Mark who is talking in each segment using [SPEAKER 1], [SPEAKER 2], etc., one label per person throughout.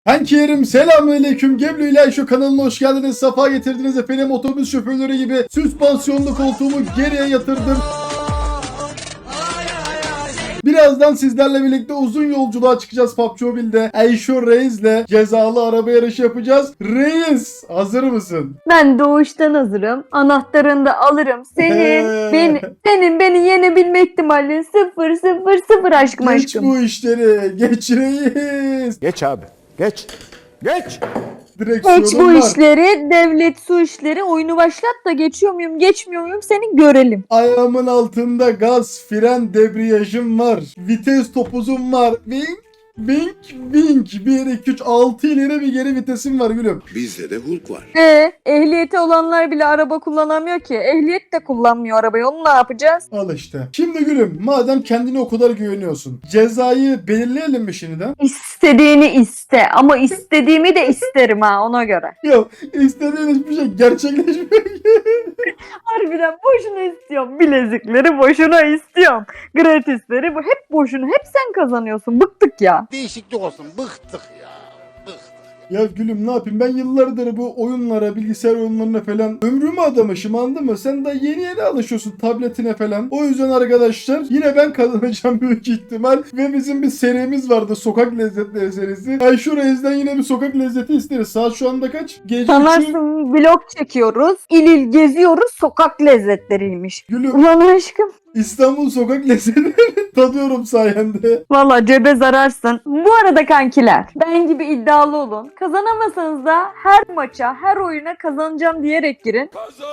[SPEAKER 1] Kankilerim selamünaleyküm. Geblu ile şu kanalına hoş geldiniz. Safa getirdiniz efendim. Otobüs şoförleri gibi süspansiyonlu koltuğumu geriye yatırdım. Birazdan sizlerle birlikte uzun yolculuğa çıkacağız PUBG Mobile'de. Eyşo Reis'le cezalı araba yarışı yapacağız. Reis, hazır mısın?
[SPEAKER 2] Ben doğuştan hazırım. Anahtarını da alırım. Senin beni yenebilme ihtimalin 0 aşkım
[SPEAKER 1] Geç
[SPEAKER 2] aşkım.
[SPEAKER 1] bu işleri. Geç Reis.
[SPEAKER 3] Geç abi. Geç. Geç.
[SPEAKER 1] Direksiyonum
[SPEAKER 2] Geç bu
[SPEAKER 1] var.
[SPEAKER 2] işleri, devlet su işleri, oyunu başlat da geçiyor muyum, geçmiyor muyum seni görelim.
[SPEAKER 1] Ayağımın altında gaz, fren, debriyajım var. Vites topuzum var. Vink, vink. 1, 2, 3, 6 ileri bir geri vitesim var gülüm.
[SPEAKER 4] Bizde de Hulk var.
[SPEAKER 2] Ehliyeti olanlar bile araba kullanamıyor ki. Ehliyet de kullanmıyor arabayı. Onu ne yapacağız?
[SPEAKER 1] Al işte. Şimdi gülüm, madem kendine o kadar güveniyorsun, cezayı belirleyelim mi şimdiden?
[SPEAKER 2] İstediğini iste ama istediğimi de isterim ha ona göre.
[SPEAKER 1] Yok, istediğin hiçbir şey gerçekleşmiyor.
[SPEAKER 2] Harbiden boşuna istiyorum. Bilezikleri boşuna istiyorum. Gratisleri hep boşuna. Hep sen kazanıyorsun. Bıktık ya.
[SPEAKER 4] Değişiklik olsun. Bıktık ya. Bıktık.
[SPEAKER 1] Ya gülüm ne yapayım, ben yıllardır bu oyunlara, bilgisayar oyunlarına falan ömrümü adamışım, anladın mı? Sen daha yeni alışıyorsun tabletine falan. O yüzden arkadaşlar yine ben kazanacağım büyük ihtimal. Ve bizim bir serimiz vardı, sokak lezzetleri serisi. Eyşo Reis'den yine bir sokak lezzeti isteriz. Saat şu anda kaç? Gece 3'ü.
[SPEAKER 2] Sanarsın vlog çekiyoruz. İl il geziyoruz. Sokak lezzetleriymiş.
[SPEAKER 1] Gülüm,
[SPEAKER 2] Ulan aşkım.
[SPEAKER 1] İstanbul sokak lezzetlerini tadıyorum sayende.
[SPEAKER 2] Valla cebe zararsın. Bu arada kankiler. Ben gibi iddialı olun. Kazanamasanız da her maça, her oyuna kazanacağım diyerek girin.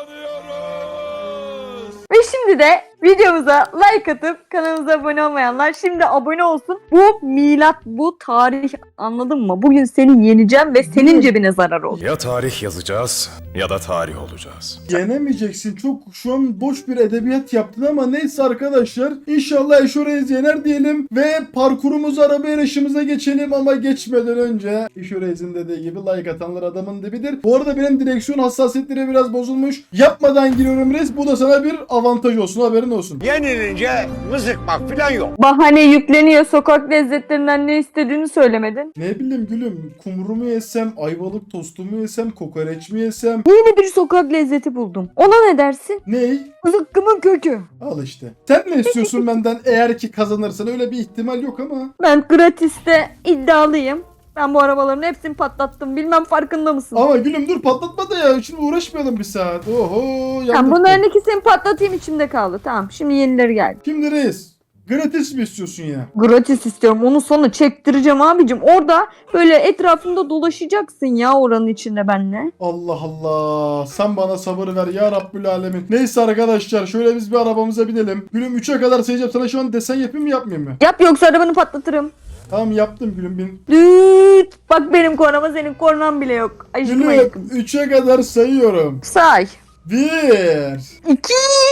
[SPEAKER 2] Ve şimdi de videomuza like atıp kanalımıza abone olmayanlar şimdi abone olsun. Bu milat, bu tarih, anladın mı? Bugün seni yeneceğim ve senin cebine zarar olur.
[SPEAKER 5] Ya tarih yazacağız ya da tarih olacağız.
[SPEAKER 1] Yenemeyeceksin. Çok şu an boş bir edebiyat yaptın ama neyse arkadaşlar. İnşallah Eyşo Reis yener diyelim ve parkurumuzu, araba yarışımıza geçelim ama geçmeden önce Eyşo Reis'in dediği gibi like atanlar adamın dibidir. Bu arada benim direksiyon hassasiyetleri biraz bozulmuş. Yapmadan giriyorum Reis. Bu da sana bir avantaj olsun, haberin olsun.
[SPEAKER 4] Yenilince mızıkmak falan yok.
[SPEAKER 2] Bahane yükleniyor, sokak lezzetlerinden ne istediğini söylemedin.
[SPEAKER 1] Ne bileyim gülüm, kumru mu yesem, ayvalık tostu mu yesem, kokoreç mi yesem?
[SPEAKER 2] Yeni bir sokak lezzeti buldum. Ona ne dersin?
[SPEAKER 1] Ney?
[SPEAKER 2] Zıkkımın kökü.
[SPEAKER 1] Al işte. Sen ne istiyorsun benden eğer ki kazanırsan? Öyle bir ihtimal yok ama.
[SPEAKER 2] Ben gratiste iddialıyım. Ben bu arabaların hepsini patlattım. Bilmem farkında mısın?
[SPEAKER 1] Ama gülüm dur, patlatma da ya. Şimdi uğraşmayalım bir saat. Oho, yandık.
[SPEAKER 2] Tamam, bunların ikisini patlatayım, içimde kaldı. Tamam, şimdi yenileri geldi.
[SPEAKER 1] Şimdi Reis, gratis mi istiyorsun ya?
[SPEAKER 2] Gratis istiyorum. Onu sonra çektireceğim abicim. Orada böyle etrafında dolaşacaksın ya oranın içinde benimle.
[SPEAKER 1] Allah Allah. Sen bana sabır ver ya Rabbül Alemin. Neyse arkadaşlar, şöyle biz bir arabamıza binelim. Gülüm 3'e kadar sayacağım. Sana şu an desen yapayım mı, yapmayayım mı?
[SPEAKER 2] Yap, yoksa arabanı patlatırım.
[SPEAKER 1] Tamam, yaptım gülüm, bin.
[SPEAKER 2] Düt. Bak benim kornama, senin kornan bile yok. Aşkım
[SPEAKER 1] Gülüm
[SPEAKER 2] aşkım.
[SPEAKER 1] 3'e kadar sayıyorum.
[SPEAKER 2] Say.
[SPEAKER 1] 1
[SPEAKER 2] 2.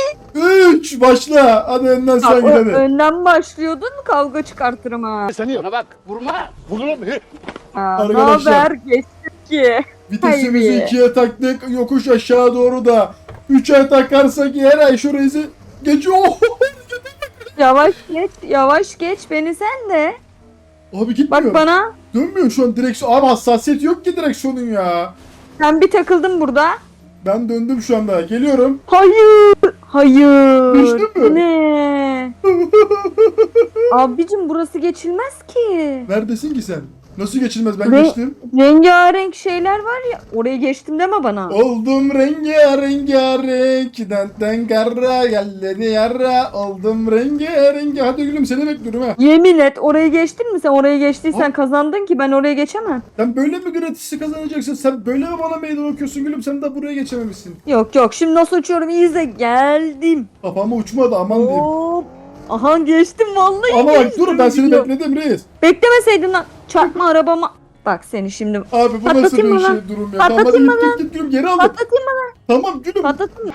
[SPEAKER 1] 3 başla. Hadi önden sen gir hadi.
[SPEAKER 2] Önden başlıyordun, kavga çıkartırım ha.
[SPEAKER 4] Bana bak. Vurma. Vururum.
[SPEAKER 2] Ne
[SPEAKER 1] Arkadaşlar.
[SPEAKER 2] haber? Geçtik ki.
[SPEAKER 1] Vitesimizi
[SPEAKER 2] Hayır.
[SPEAKER 1] 2'ye taktık. Yokuş aşağı doğru da 3'e takarsak eğer Eyşo Reis'i geçiyor.
[SPEAKER 2] Yavaş geç, yavaş geç. Beni sen de.
[SPEAKER 1] Abi gitmiyor.
[SPEAKER 2] Bak bana.
[SPEAKER 1] Dönmüyor şu an direksiyon. Abi hassasiyet yok ki direksiyonun ya.
[SPEAKER 2] Sen bir takıldın burada.
[SPEAKER 1] Ben döndüm şu anda. Geliyorum.
[SPEAKER 2] Hayır. Hayır.
[SPEAKER 1] Düştün mü?
[SPEAKER 2] Ne? Abicim burası geçilmez ki.
[SPEAKER 1] Neredesin ki sen? Nasıl geçilmez? Ben
[SPEAKER 2] Ve-
[SPEAKER 1] geçtim.
[SPEAKER 2] Rengarenk şeyler var ya. Oraya geçtim deme bana.
[SPEAKER 1] Oldum rengarenk. Denten garra geldi yarra. Oldum rengarenk. Hadi gülüm, seni bekliyorum ha.
[SPEAKER 2] Yemin et, oraya geçtin mi sen? Oraya geçtiysen kazandın ki ben oraya geçemem.
[SPEAKER 1] Sen böyle mi gratisi kazanacaksın? Sen böyle mi bana meydan okuyorsun gülüm? Sen de buraya geçememişsin.
[SPEAKER 2] Yok yok, şimdi nasıl uçuyorum, iyi izle. Geldim.
[SPEAKER 1] Kafama uçmadı, aman diyeyim.
[SPEAKER 2] Hop. Aha geçtim vallahi.
[SPEAKER 1] Ama bak
[SPEAKER 2] geçtim.
[SPEAKER 1] dur, ben seni
[SPEAKER 2] Gidiyorum.
[SPEAKER 1] bekledim Reis.
[SPEAKER 2] Beklemeseydin lan. Çarpma arabama. Bak seni şimdi.
[SPEAKER 1] Abi bu nasıl
[SPEAKER 2] Patlatayım
[SPEAKER 1] bir
[SPEAKER 2] mı lan?
[SPEAKER 1] şey durum ya? Tamam hadi
[SPEAKER 2] Patlatayım mı
[SPEAKER 1] git gülüm, geri aldım.
[SPEAKER 2] Patlatayım mı?
[SPEAKER 1] Tamam gülüm.
[SPEAKER 2] Patlatayım mı?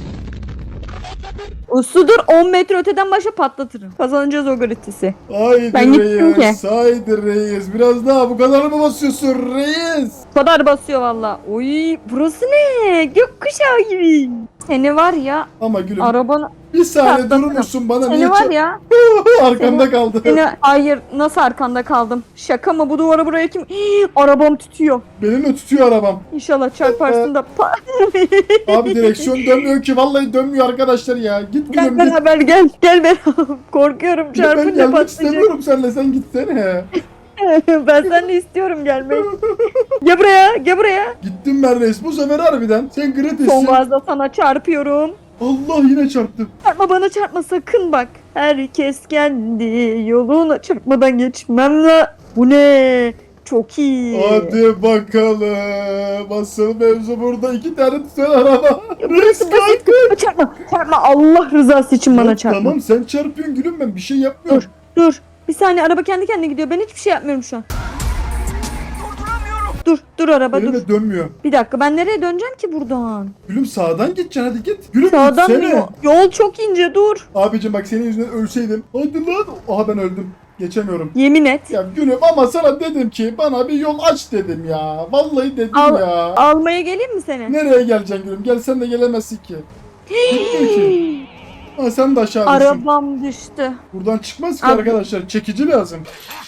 [SPEAKER 2] Usludur, 10 metre öteden başa patlatırım. Kazanacağız o gratisi.
[SPEAKER 1] Haydi
[SPEAKER 2] Ben gittim
[SPEAKER 1] Reis.
[SPEAKER 2] ki.
[SPEAKER 1] Haydi Reis. Biraz daha, bu kadar mı basıyorsun Reis?
[SPEAKER 2] Bu kadar basıyor valla. Oy burası ne? Gökkuşağı gibi. Seni var ya
[SPEAKER 1] Ama gülüm
[SPEAKER 2] arabanı
[SPEAKER 1] bir saniye
[SPEAKER 2] Çarptın.
[SPEAKER 1] durur musun bana
[SPEAKER 2] seni
[SPEAKER 1] niye
[SPEAKER 2] var ya
[SPEAKER 1] arkamda kaldı.
[SPEAKER 2] hayır nasıl arkanda kaldım? Şaka mı bu duvara buraya kim? Hii, arabam tutuyor.
[SPEAKER 1] Benim de tutuyor arabam.
[SPEAKER 2] İnşallah çarparsın da
[SPEAKER 1] Abi direksiyon dönmüyor ki vallahi dönmüyor arkadaşlar ya. Git
[SPEAKER 2] Gel
[SPEAKER 1] gülüm git.
[SPEAKER 2] beraber gel beraber. Korkuyorum
[SPEAKER 1] Ben
[SPEAKER 2] çarpınca
[SPEAKER 1] gelmek
[SPEAKER 2] patlayacak.
[SPEAKER 1] istemiyorum seninle sen gitsene.
[SPEAKER 2] Ben seninle istiyorum gelmeyi. Gel buraya.
[SPEAKER 1] Gittim ben reis bu sefer harbiden. Sen
[SPEAKER 2] Son
[SPEAKER 1] gratissin.
[SPEAKER 2] gazda sana çarpıyorum.
[SPEAKER 1] Allah yine çarptım.
[SPEAKER 2] Çarpma bana çarpma sakın bak. Herkes kendi yoluna çarpmadan geçmem la. Bu ne? Çok iyi.
[SPEAKER 1] Hadi bakalım. Asıl mevzu burada 2 tane tutan araba.
[SPEAKER 2] Burası basit. Çarpma. Allah rızası için bana
[SPEAKER 1] Ya
[SPEAKER 2] çarpma.
[SPEAKER 1] Tamam sen çarpıyorsun gülüm ben bir şey yapmıyorum.
[SPEAKER 2] Dur. Bir saniye araba kendi kendine gidiyor. Ben hiçbir şey yapmıyorum şu an. Dur araba
[SPEAKER 1] Benim
[SPEAKER 2] dur.
[SPEAKER 1] de dönmüyor.
[SPEAKER 2] Bir dakika ben nereye döneceğim ki buradan?
[SPEAKER 1] Gülüm sağdan gideceksin hadi git. Gülüm
[SPEAKER 2] Sağdan mı?
[SPEAKER 1] gitsene.
[SPEAKER 2] Yol çok ince dur.
[SPEAKER 1] Abicim bak senin yüzünden ölseydim. Hadi lan. Aha ben öldüm. Geçemiyorum.
[SPEAKER 2] Yemin et.
[SPEAKER 1] Ya gülüm ama sana dedim ki bana bir yol aç dedim ya. Vallahi dedim
[SPEAKER 2] Al-
[SPEAKER 1] ya.
[SPEAKER 2] Almaya geleyim mi seni?
[SPEAKER 1] Nereye geleceksin gülüm? Gelsen de gelemezsin ki. Gitmiyor ki. Ha, sen de aşağı düşsün.
[SPEAKER 2] Arabam düştü.
[SPEAKER 1] Buradan çıkmaz ki
[SPEAKER 2] Abi-
[SPEAKER 1] arkadaşlar. Çekici lazım.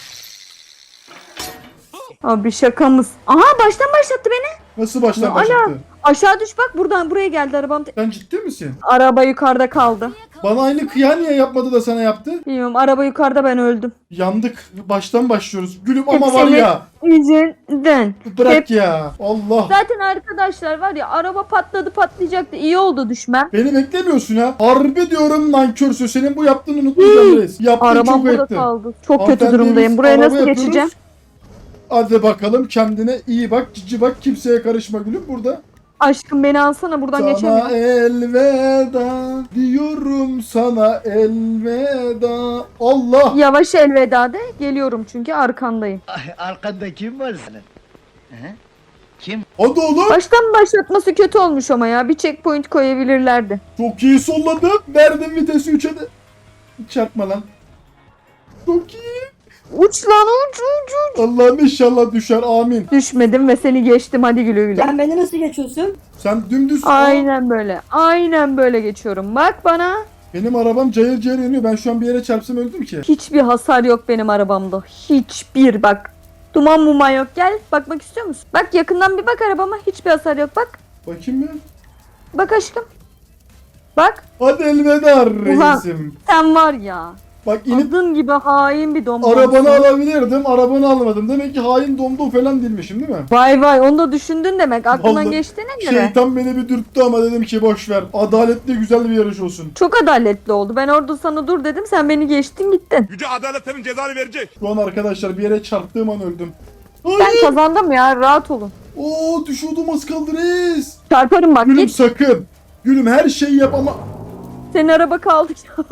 [SPEAKER 2] Abi şakamız. Aha baştan başlattı beni.
[SPEAKER 1] Nasıl baştan
[SPEAKER 2] Ya
[SPEAKER 1] başlattı?
[SPEAKER 2] Aşağı düş bak buradan buraya geldi arabam.
[SPEAKER 1] Sen ciddi misin?
[SPEAKER 2] Araba yukarıda kaldı.
[SPEAKER 1] Bana aynı kıya niye yapmadı da sana yaptı?
[SPEAKER 2] Bilmiyorum araba yukarıda ben öldüm.
[SPEAKER 1] Yandık. Baştan başlıyoruz. Gülüm ama
[SPEAKER 2] Hep
[SPEAKER 1] var
[SPEAKER 2] senin
[SPEAKER 1] ya.
[SPEAKER 2] yüzünden.
[SPEAKER 1] Bırak
[SPEAKER 2] Hep-
[SPEAKER 1] ya. Allah.
[SPEAKER 2] Zaten arkadaşlar var ya araba patlayacaktı. İyi oldu düşmem.
[SPEAKER 1] Beni beklemiyorsun ha. Harbi diyorum nankörsün. Senin bu yaptığını unutmayacağım reis. Yaptığın
[SPEAKER 2] Arabam
[SPEAKER 1] çok
[SPEAKER 2] burada
[SPEAKER 1] etti.
[SPEAKER 2] kaldı. Çok kötü
[SPEAKER 1] Hanımefendi,
[SPEAKER 2] durumdayım.
[SPEAKER 1] biz
[SPEAKER 2] Buraya
[SPEAKER 1] araba
[SPEAKER 2] nasıl
[SPEAKER 1] yapıyoruz.
[SPEAKER 2] geçeceğim?
[SPEAKER 1] Hadi bakalım kendine iyi bak. Cici bak. Kimseye karışma gülüm burada.
[SPEAKER 2] Aşkım beni alsana buradan
[SPEAKER 1] Sana
[SPEAKER 2] geçemiyorum.
[SPEAKER 1] elveda diyorum sana elveda. Allah.
[SPEAKER 2] Yavaş elveda de. Geliyorum çünkü arkandayım.
[SPEAKER 6] Arkanda kim var senin? He? Kim?
[SPEAKER 1] Hadi oğlum.
[SPEAKER 2] Baştan başlatması kötü olmuş ama ya. Bir checkpoint koyabilirlerdi.
[SPEAKER 1] Çok iyi solladım. Verdim vitesi 3'e de. Çarpma lan. Çok iyi.
[SPEAKER 2] Uç lan uç.
[SPEAKER 1] Allah'ım inşallah düşer. Amin.
[SPEAKER 2] Düşmedim ve seni geçtim. Hadi güle güle.
[SPEAKER 7] Sen beni nasıl geçiyorsun?
[SPEAKER 1] Sen dümdüz.
[SPEAKER 2] Aynen böyle. Aynen böyle geçiyorum. Bak bana.
[SPEAKER 1] Benim arabam cayır cayır yanıyor. Ben şu an bir yere çarpsam öldüm ki.
[SPEAKER 2] Hiçbir hasar yok benim arabamda. Hiçbir bak. Duman muman yok. Gel bakmak istiyor musun? Bak yakından bir bak arabama. Hiçbir hasar yok. Bak.
[SPEAKER 1] Bakayım mı?
[SPEAKER 2] Bak aşkım. Bak.
[SPEAKER 1] Hadi elveda reisim.
[SPEAKER 2] Sen var ya.
[SPEAKER 1] Bak inip
[SPEAKER 2] Adın gibi hain bir domdom.
[SPEAKER 1] arabanı alabilirdim. Arabanı almadım. Demek ki hain domdom falan değilmişim değil mi?
[SPEAKER 2] Vay vay onu da düşündün demek. Aklından
[SPEAKER 1] Vallahi
[SPEAKER 2] geçtiğine göre.
[SPEAKER 1] Şeytan beni bir dürttü ama dedim ki boş ver. Adaletli güzel bir yarış olsun.
[SPEAKER 2] Çok adaletli oldu. Ben orada sana dur dedim. Sen beni geçtin gittin.
[SPEAKER 5] Yüce adalet senin cezanı verecek.
[SPEAKER 1] Şu an arkadaşlar bir yere çarptığım an öldüm.
[SPEAKER 2] Ben
[SPEAKER 1] Ay!
[SPEAKER 2] kazandım ya. Rahat olun.
[SPEAKER 1] Oo düşüyordum az kaldı reis.
[SPEAKER 2] Çarparım bak
[SPEAKER 1] Gülüm
[SPEAKER 2] git.
[SPEAKER 1] sakın. Gülüm her şeyi yap ama
[SPEAKER 2] Senin araba kaldı.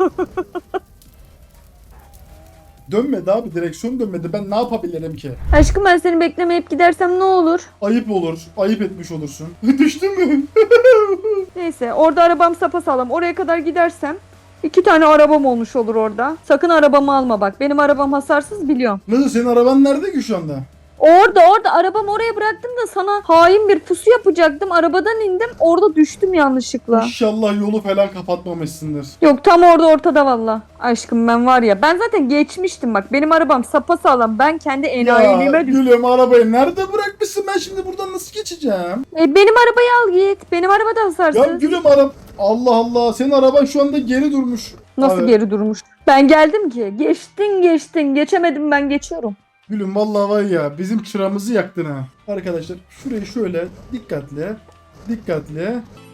[SPEAKER 1] dönmedi abi, direksiyon dönmedi. Ben ne yapabilirim ki?
[SPEAKER 2] Aşkım ben seni beklemeyip gidersem ne olur?
[SPEAKER 1] Ayıp olur. Ayıp etmiş olursun. Düştün mü?
[SPEAKER 2] Neyse orada arabam sapasağlam. Oraya kadar gidersem 2 tane arabam olmuş olur orada. Sakın arabamı alma bak. Benim arabam hasarsız biliyorum.
[SPEAKER 1] Nasıl, senin araban nerede ki şu anda?
[SPEAKER 2] Orada arabamı oraya bıraktım da sana hain bir pusu yapacaktım. Arabadan indim. Orada düştüm yanlışlıkla.
[SPEAKER 1] İnşallah yolu falan kapatmamışsındır.
[SPEAKER 2] Yok tam orada ortada valla. Aşkım ben var ya ben zaten geçmiştim bak. Benim arabam sapasağlam. Ben kendi
[SPEAKER 1] Ya
[SPEAKER 2] enayiliğime düştüm.
[SPEAKER 1] gülüm arabayı nerede bırakmışsın? Ben şimdi buradan nasıl geçeceğim?
[SPEAKER 2] Benim arabayı al git. Benim araba da hasarsız.
[SPEAKER 1] Ya gülüm Allah Allah, senin araban şu anda geri durmuş.
[SPEAKER 2] Nasıl
[SPEAKER 1] Abi,
[SPEAKER 2] geri durmuş? Ben geldim ki. Geçtin. Geçemedim ben geçiyorum.
[SPEAKER 1] Gülüm vallahi var ya, bizim çıramızı yaktın ha. Arkadaşlar şurayı şöyle dikkatli.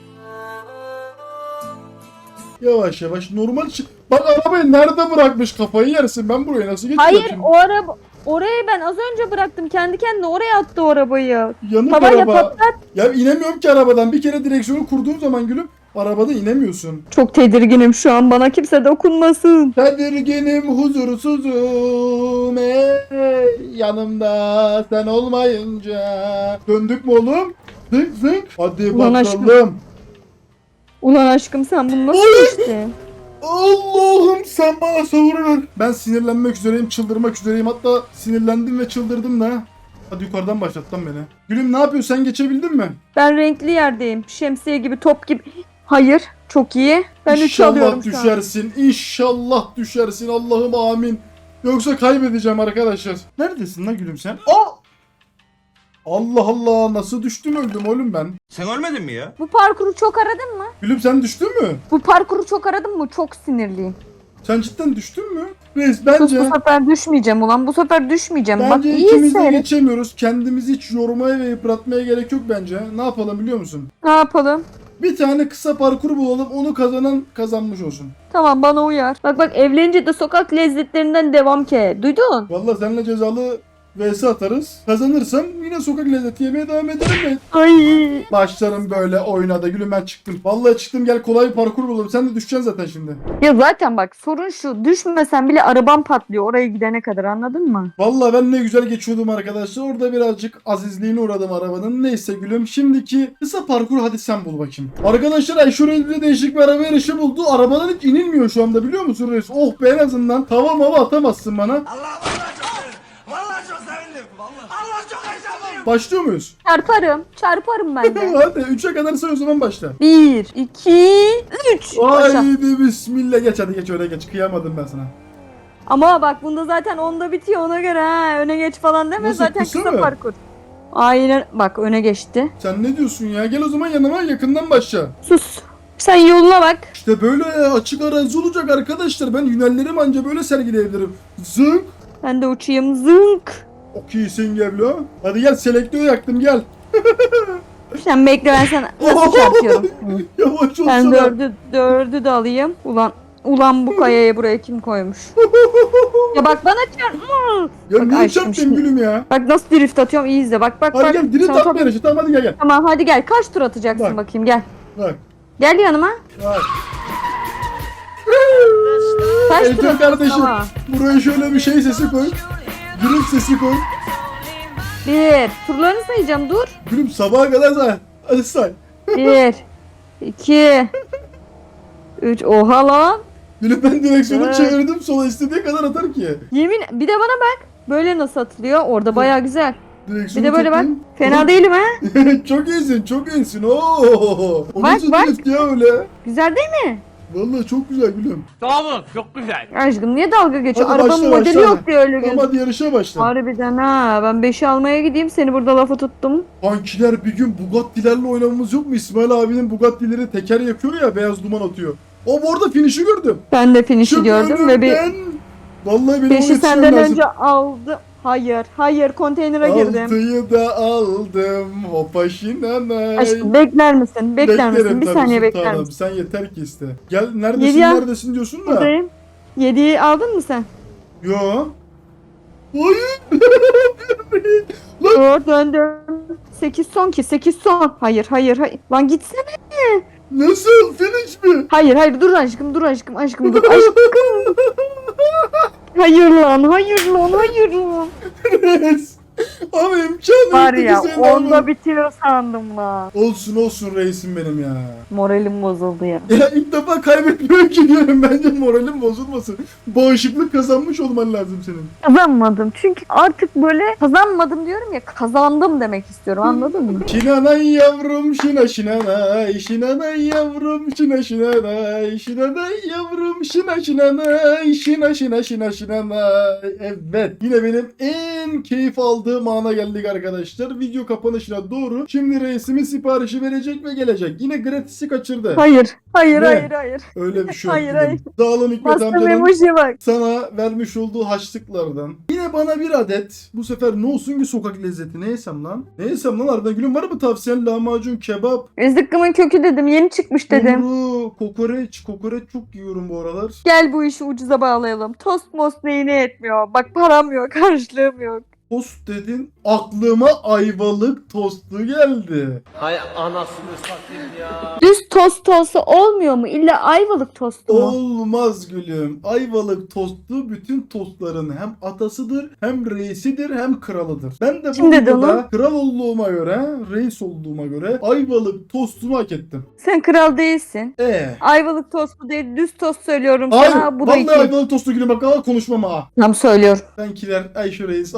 [SPEAKER 1] Yavaş yavaş normal bak arabayı nerede bırakmış, kafayı yersin. Ben buraya nasıl geçeceğim
[SPEAKER 2] Hayır
[SPEAKER 1] şimdi?
[SPEAKER 2] o araba orayı ben az önce bıraktım. Kendi kendine oraya attı o arabayı.
[SPEAKER 1] Yanık
[SPEAKER 2] Tavayla
[SPEAKER 1] araba.
[SPEAKER 2] patlat.
[SPEAKER 1] Ya inemiyorum ki arabadan. Bir kere direksiyonu kurduğum zaman gülüm arabada inemiyorsun.
[SPEAKER 2] Çok tedirginim şu an. Bana kimse dokunmasın.
[SPEAKER 1] Tedirginim, huzursuzum yanımda sen olmayınca. Döndük mü oğlum? Zınk. Hadi
[SPEAKER 2] Ulan
[SPEAKER 1] bakalım.
[SPEAKER 2] Ulan aşkım sen bunu nasıl geçtin?
[SPEAKER 1] Allah'ım sen bana sabır ver. Ben sinirlenmek üzereyim, çıldırmak üzereyim. Hatta sinirlendim ve çıldırdım da. Hadi yukarıdan başlat lan beni. Gülüm ne yapıyorsun, sen geçebildin mi?
[SPEAKER 2] Ben renkli yerdeyim. Şemsiye gibi top gibi. Hayır. Çok iyi. Ben 3 alıyorum
[SPEAKER 1] İnşallah
[SPEAKER 2] şu an.
[SPEAKER 1] düşersin. İnşallah düşersin. Allah'ım amin. Yoksa kaybedeceğim arkadaşlar. Neredesin lan gülüm sen? Aa! Allah Allah, nasıl düştüm öldüm oğlum ben.
[SPEAKER 3] Sen ölmedin mi ya?
[SPEAKER 2] Bu parkuru çok aradın mı?
[SPEAKER 1] Gülüm sen düştün mü?
[SPEAKER 2] Bu parkuru çok aradın mı? Çok sinirliyim.
[SPEAKER 1] Sen cidden düştün mü? Reis
[SPEAKER 2] Sus,
[SPEAKER 1] bence
[SPEAKER 2] bu sefer düşmeyeceğim ulan. Bu sefer düşmeyeceğim. Bak
[SPEAKER 1] bence
[SPEAKER 2] iyi
[SPEAKER 1] ikimiz de
[SPEAKER 2] seyret.
[SPEAKER 1] geçemiyoruz. Kendimizi hiç yormaya ve yıpratmaya gerek yok bence. Ne yapalım biliyor musun?
[SPEAKER 2] Ne yapalım?
[SPEAKER 1] Bir tane kısa parkur bulalım. Onu kazanan kazanmış olsun.
[SPEAKER 2] Tamam, bana uyar. Bak evlenince de sokak lezzetlerinden devam ki. Duydun?
[SPEAKER 1] Vallahi seninle cezalı vs atarız. Kazanırsam yine sokak lezzeti yemeye devam ederim ben.
[SPEAKER 2] Ay.
[SPEAKER 1] Başlarım böyle oyuna da gülüm, ben çıktım. Vallahi çıktım, gel kolay bir parkur bulalım. Sen de düşeceksin zaten şimdi.
[SPEAKER 2] Ya zaten bak sorun şu. Düşmesen bile arabam patlıyor oraya gidene kadar, anladın mı?
[SPEAKER 1] Vallahi ben ne güzel geçiyordum arkadaşlar. Orada birazcık azizliğine uğradım arabanın. Neyse gülüm. Şimdiki kısa parkur hadi sen bul bakayım. Arkadaşlar Ayşe değişik bir araba yarışı buldu. Arabadan hiç inilmiyor şu anda, biliyor musun reis? Oh be, en azından tava mava atamazsın bana. Başlıyor muyuz?
[SPEAKER 2] Çarparım ben de.
[SPEAKER 1] Hadi 3'e kadar say, o zaman başla.
[SPEAKER 2] 1, 2, 3. Başla.
[SPEAKER 1] Haydi bismillah, geç hadi, geç öyle geç. Kıyamadım ben sana.
[SPEAKER 2] Ama bak bunda zaten 10'da bitiyor, ona göre ha. Öne geç falan deme,
[SPEAKER 1] Nasıl,
[SPEAKER 2] zaten
[SPEAKER 1] kısa
[SPEAKER 2] kısa
[SPEAKER 1] mı?
[SPEAKER 2] parkur. Aynen, bak öne geçti.
[SPEAKER 1] Sen ne diyorsun ya? Gel o zaman yanıma, yakından başla.
[SPEAKER 2] Sus. Sen yoluna bak.
[SPEAKER 1] İşte böyle açık arazi olacak arkadaşlar. Ben hünerlerimi anca böyle sergileyebilirim. Zınk.
[SPEAKER 2] Ben de uçayım, zınk.
[SPEAKER 1] Çok iyisin Geblo. Hadi gel, selektörü yaktım, gel.
[SPEAKER 2] Sen bekle, ben sana nasıl çarpıyorum. Hı.
[SPEAKER 1] Yavaş olsana.
[SPEAKER 2] Ben dördü de alayım. Ulan bu kayaya buraya kim koymuş? Ya bak bana çarpma.
[SPEAKER 1] Ya
[SPEAKER 2] Bak
[SPEAKER 1] niye
[SPEAKER 2] aşkım
[SPEAKER 1] çarptın
[SPEAKER 2] şimdi-
[SPEAKER 1] gülüm ya?
[SPEAKER 2] Bak nasıl drift atıyorum, iyi izle. Bak.
[SPEAKER 1] Hadi gel, drift
[SPEAKER 2] Sana
[SPEAKER 1] atma yarışı. Tamam hadi gel.
[SPEAKER 2] Tamam hadi gel. Kaç tur atacaksın
[SPEAKER 1] Bak.
[SPEAKER 2] bakayım, gel.
[SPEAKER 1] Bak.
[SPEAKER 2] Gel yanıma.
[SPEAKER 1] Bak.
[SPEAKER 2] Kaç tur
[SPEAKER 1] Eğitim
[SPEAKER 2] atacaksın
[SPEAKER 1] kardeşim.
[SPEAKER 2] ama?
[SPEAKER 1] Buraya şöyle bir şey sesi koy. Gülüm sesi koy.
[SPEAKER 2] 1. Turlarını sayacağım, dur.
[SPEAKER 1] Gülüm sabaha kadar say. Hadi say.
[SPEAKER 2] 1, 2, 3. Oha lan.
[SPEAKER 1] Gülüm ben direksiyonu
[SPEAKER 2] Evet.
[SPEAKER 1] çevirdim sola, istediği kadar atar ki.
[SPEAKER 2] Yemin, bir de bana bak. Böyle nasıl atılıyor? Orada baya güzel. Bir
[SPEAKER 1] Direksiyonu
[SPEAKER 2] de böyle bak.
[SPEAKER 1] çektim.
[SPEAKER 2] Fena
[SPEAKER 1] Oğlum,
[SPEAKER 2] değilim ha.
[SPEAKER 1] çok iyisin, çok iyisin. Oo. O
[SPEAKER 2] Bak,
[SPEAKER 1] nasıl
[SPEAKER 2] bak.
[SPEAKER 1] drift ya öyle?
[SPEAKER 2] Güzel değil mi?
[SPEAKER 1] Vallahi çok güzel gülüm.
[SPEAKER 4] Tamam çok güzel.
[SPEAKER 2] Aşkım niye dalga geçiyor?
[SPEAKER 1] Hadi
[SPEAKER 2] Arabanın
[SPEAKER 1] başla,
[SPEAKER 2] modeli
[SPEAKER 1] başla.
[SPEAKER 2] yok diye öyle
[SPEAKER 1] Tamam
[SPEAKER 2] gözüküyor.
[SPEAKER 1] hadi yarışa başla.
[SPEAKER 2] Harbiden ha. Ben 5'i almaya gideyim. Seni burada lafa tuttum.
[SPEAKER 1] Kankiler, bir gün Bugatti'lerle oynamamız yok mu? İsmail abinin Bugatti'leri teker yakıyor ya, beyaz duman atıyor. O bu arada finish'i gördüm.
[SPEAKER 2] Ben de finish'i
[SPEAKER 1] Çık
[SPEAKER 2] gördüm ve bir
[SPEAKER 1] önümden. Vallahi benim
[SPEAKER 2] 5'i
[SPEAKER 1] yetişmem
[SPEAKER 2] senden
[SPEAKER 1] lazım.
[SPEAKER 2] önce aldım. Hayır konteynere girdim.
[SPEAKER 1] 6'yı da aldım. Hopa şinanay.
[SPEAKER 2] Aşkım bekler misin? Bekler misin?
[SPEAKER 1] Beklerim
[SPEAKER 2] Bir
[SPEAKER 1] tabii
[SPEAKER 2] saniye
[SPEAKER 1] sultanım.
[SPEAKER 2] bekler misin?
[SPEAKER 1] Sen yeter ki iste. Gel, neredesin
[SPEAKER 2] Yedi ya.
[SPEAKER 1] neredesin diyorsun da.
[SPEAKER 2] Buradayım. 7'yi aldın mı sen?
[SPEAKER 1] Yo. Hayır.
[SPEAKER 2] Dur döndüm. 8 son ki 8 son. Hayır. Lan gitsene.
[SPEAKER 1] Nasıl? Finish mi?
[SPEAKER 2] Hayır dur aşkım dur. Aşkım. Hayır lan.
[SPEAKER 1] Reis. Ama imkanı
[SPEAKER 2] Var
[SPEAKER 1] yok
[SPEAKER 2] ya
[SPEAKER 1] ki senin alman.
[SPEAKER 2] onda bitiyor sandım lan.
[SPEAKER 1] Olsun reisim benim ya.
[SPEAKER 2] Moralim bozuldu ya.
[SPEAKER 1] Ya ilk defa kaybetmiyorum ki diyorum. Bence moralim bozulmasın. Bağışıklık kazanmış olman lazım senin.
[SPEAKER 2] Kazanmadım çünkü artık böyle kazanmadım diyorum ya, kazandım demek istiyorum, anladın mı?
[SPEAKER 1] Şinanay yavrum şina şinanay. Şinanay yavrum şina şinanay. Şinanay yavrum şina şinanay. Şina şinanay. Evet. Yine benim en keyif aldığım ana geldik arkadaşlar. Video kapanışına doğru. Şimdi reisimin siparişi verecek ve gelecek. Yine gratis'i kaçırdı.
[SPEAKER 2] Hayır.
[SPEAKER 1] Ne?
[SPEAKER 2] Hayır.
[SPEAKER 1] Öyle bir şey yok.
[SPEAKER 2] Hayır,
[SPEAKER 1] dedim.
[SPEAKER 2] hayır.
[SPEAKER 1] Sağ olun Hikmet
[SPEAKER 2] Bastım
[SPEAKER 1] amcanın
[SPEAKER 2] emojiye bak.
[SPEAKER 1] sana vermiş olduğu haçlıklardan. Yine bana bir adet. Bu sefer ne olsun ki sokak lezzeti? Ne yesem lan? Ne yesem lan? Harbiden gülüm, var mı tavsiyen? Lahmacun, kebap,
[SPEAKER 2] Zıkkımın kökü dedim, yeni çıkmış dedim.
[SPEAKER 1] kumru, kokoreç. Kokoreç çok yiyorum bu aralar.
[SPEAKER 2] Gel bu işi ucuza bağlayalım. Tost most neyine etmiyor. Bak param yok, harçlığım yok.
[SPEAKER 1] Tost dedin. Aklıma ayvalık tostu geldi.
[SPEAKER 7] Hay anasını satayım ya.
[SPEAKER 2] Düz tost olsa olmuyor mu? İlla ayvalık tostu mu?
[SPEAKER 1] Olmaz gülüm. Ayvalık tostu bütün tostların hem atasıdır, hem reisidir, hem kralıdır. Ben de bu
[SPEAKER 2] Kim dedi
[SPEAKER 1] videoda
[SPEAKER 2] onu?
[SPEAKER 1] kral olduğuma göre, reis olduğuma göre ayvalık tostunu hak ettim.
[SPEAKER 2] Sen kral değilsin. Ayvalık tostu değil, düz tost söylüyorum
[SPEAKER 1] Hayır.
[SPEAKER 2] sana. Bu da
[SPEAKER 1] Vallahi
[SPEAKER 2] iki.
[SPEAKER 1] ayvalık tostu gülüm, bak ama konuşmam ha.
[SPEAKER 2] Tam söylüyorum.
[SPEAKER 1] Benkiler Ayşe Reis ayvalık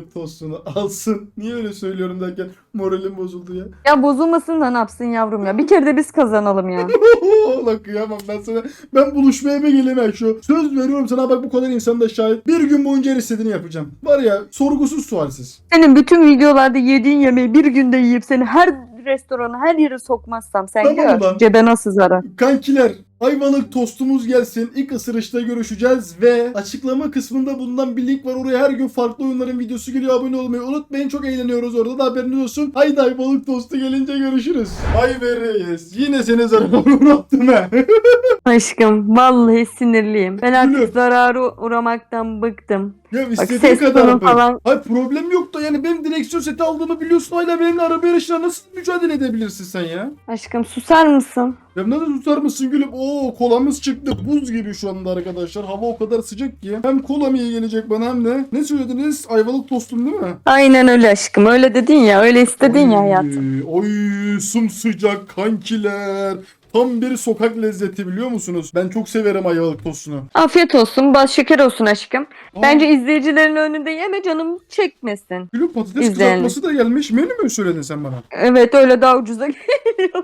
[SPEAKER 1] Ayvalık tostunu alsın. Niye öyle söylüyorum derken moralim bozuldu ya.
[SPEAKER 2] Ya bozulmasın da ne yapsın yavrum ya. Bir kere de biz kazanalım ya.
[SPEAKER 1] Lan kıyamam ben sana. Ben buluşmaya mı geleyim şu? Söz veriyorum sana, bak bu kadar insan da şahit. Bir gün boyunca her istediğini yapacağım. Var ya, sorgusuz sualsiz.
[SPEAKER 2] Senin bütün videolarda yediğin yemeği bir günde yiyip seni her restorana, her yere sokmazsam sen
[SPEAKER 1] Tamam
[SPEAKER 2] gör.
[SPEAKER 1] ulan.
[SPEAKER 2] Cebe nasıl zarar.
[SPEAKER 1] Kankiler, Ayvalık tostumuz gelsin. İlk ısırışta görüşeceğiz ve açıklama kısmında bundan bir link var. Oraya her gün farklı oyunların videosu geliyor. Abone olmayı unutmayın. Çok eğleniyoruz orada da, haberiniz olsun. Haydi Ayvalık tostu gelince görüşürüz. Ay be reis. Yine seni zarara uğrattım he.
[SPEAKER 2] Aşkım vallahi sinirliyim. Ben artık
[SPEAKER 1] Gülüm.
[SPEAKER 2] zarara uğramaktan bıktım.
[SPEAKER 1] Ya
[SPEAKER 2] Bak
[SPEAKER 1] istediğin
[SPEAKER 2] ses
[SPEAKER 1] kadar
[SPEAKER 2] tonu
[SPEAKER 1] mı?
[SPEAKER 2] falan.
[SPEAKER 1] Hayır, problem yok da yani benim direksiyon seti aldığımı biliyorsun. Hala benimle araba yarışına nasıl mücadele edebilirsin sen ya?
[SPEAKER 2] Aşkım susar mısın?
[SPEAKER 1] Ya nasıl tutar mısın gülüm? Oo, kolamız çıktı. Buz gibi şu anda arkadaşlar. Hava o kadar sıcak ki. Hem kolam iyi gelecek bana hem de. Ne söylediniz? Ayvalık tostum değil mi?
[SPEAKER 2] Aynen öyle aşkım. Öyle dedin ya. Öyle istedin ya hayatım.
[SPEAKER 1] Oy sımsıcak kankiler. Tam bir sokak lezzeti, biliyor musunuz? Ben çok severim Ayvalık tostunu.
[SPEAKER 2] Afiyet olsun. Bal şeker olsun aşkım.
[SPEAKER 1] Aa,
[SPEAKER 2] Bence izleyicilerin önünde yeme, canım çekmesin.
[SPEAKER 1] gülüm, patates
[SPEAKER 2] İzleyelim.
[SPEAKER 1] kızartması da gelmiş. Menü mü söyledin sen bana?
[SPEAKER 2] Evet, öyle daha ucuza geliyor.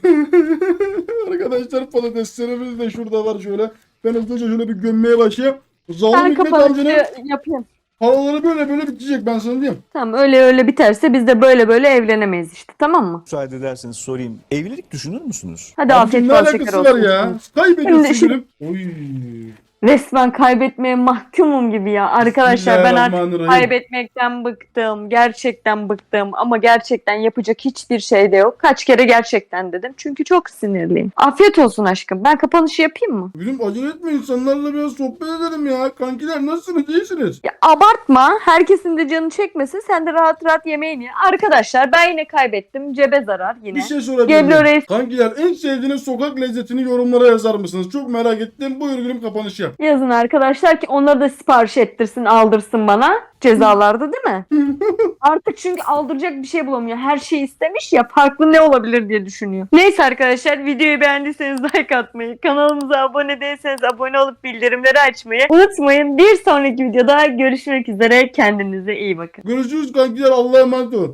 [SPEAKER 1] Arkadaşlar, patateslerimiz de şurada var şöyle. Ben hızlıca şöyle bir gömmeye başlayayım. Zalim
[SPEAKER 2] Ben
[SPEAKER 1] Hikmet
[SPEAKER 2] kapanışı
[SPEAKER 1] amcanın
[SPEAKER 2] yapayım.
[SPEAKER 1] paraları böyle böyle bitecek, ben sana diyeyim.
[SPEAKER 2] Tamam, öyle biterse biz de böyle evlenemeyiz işte, tamam mı?
[SPEAKER 8] Müsaade ederseniz sorayım. Evlilik düşünür müsünüz?
[SPEAKER 2] Hadi
[SPEAKER 1] Abicim,
[SPEAKER 2] afiyet
[SPEAKER 1] ne
[SPEAKER 2] bal şeker
[SPEAKER 1] alakası
[SPEAKER 2] olsun.
[SPEAKER 1] var ya? Kaybediyorsun
[SPEAKER 2] Şimdi-
[SPEAKER 1] gülüm. Oy.
[SPEAKER 2] Resmen kaybetmeye mahkumum gibi ya. Arkadaşlar ben artık
[SPEAKER 1] Bismillahirrahmanirrahim.
[SPEAKER 2] kaybetmekten bıktım. Gerçekten bıktım. Ama gerçekten yapacak hiçbir şey de yok. Kaç kere gerçekten dedim. Çünkü çok sinirliyim. Afiyet olsun aşkım. Ben kapanışı yapayım mı?
[SPEAKER 1] Gülüm, acele etme, insanlarla biraz sohbet edelim ya. Kankiler, nasılsınız, iyisiniz?
[SPEAKER 2] Ya abartma. Herkesin de canı çekmesin. Sen de rahat rahat yemeğini ye. Arkadaşlar ben yine kaybettim. Cebe zarar yine.
[SPEAKER 1] Bir şey sorabilir
[SPEAKER 2] Geblo
[SPEAKER 1] miyim?
[SPEAKER 2] Reis.
[SPEAKER 1] Kankiler, en sevdiğiniz sokak lezzetini yorumlara yazar mısınız? Çok merak ettim. Buyur gülüm, kapanış yap.
[SPEAKER 2] Yazın arkadaşlar ki onları da sipariş ettirsin, aldırsın bana. Cezalarda değil mi? Artık çünkü aldıracak bir şey bulamıyor. Her şeyi istemiş ya, farklı ne olabilir diye düşünüyor. Neyse arkadaşlar, videoyu beğendiyseniz like atmayı, kanalımıza abone değilseniz abone olup bildirimleri açmayı unutmayın. Bir sonraki videoda görüşmek üzere. Kendinize iyi bakın.
[SPEAKER 1] Görüşürüz kankiler. Allah'a emanet olun.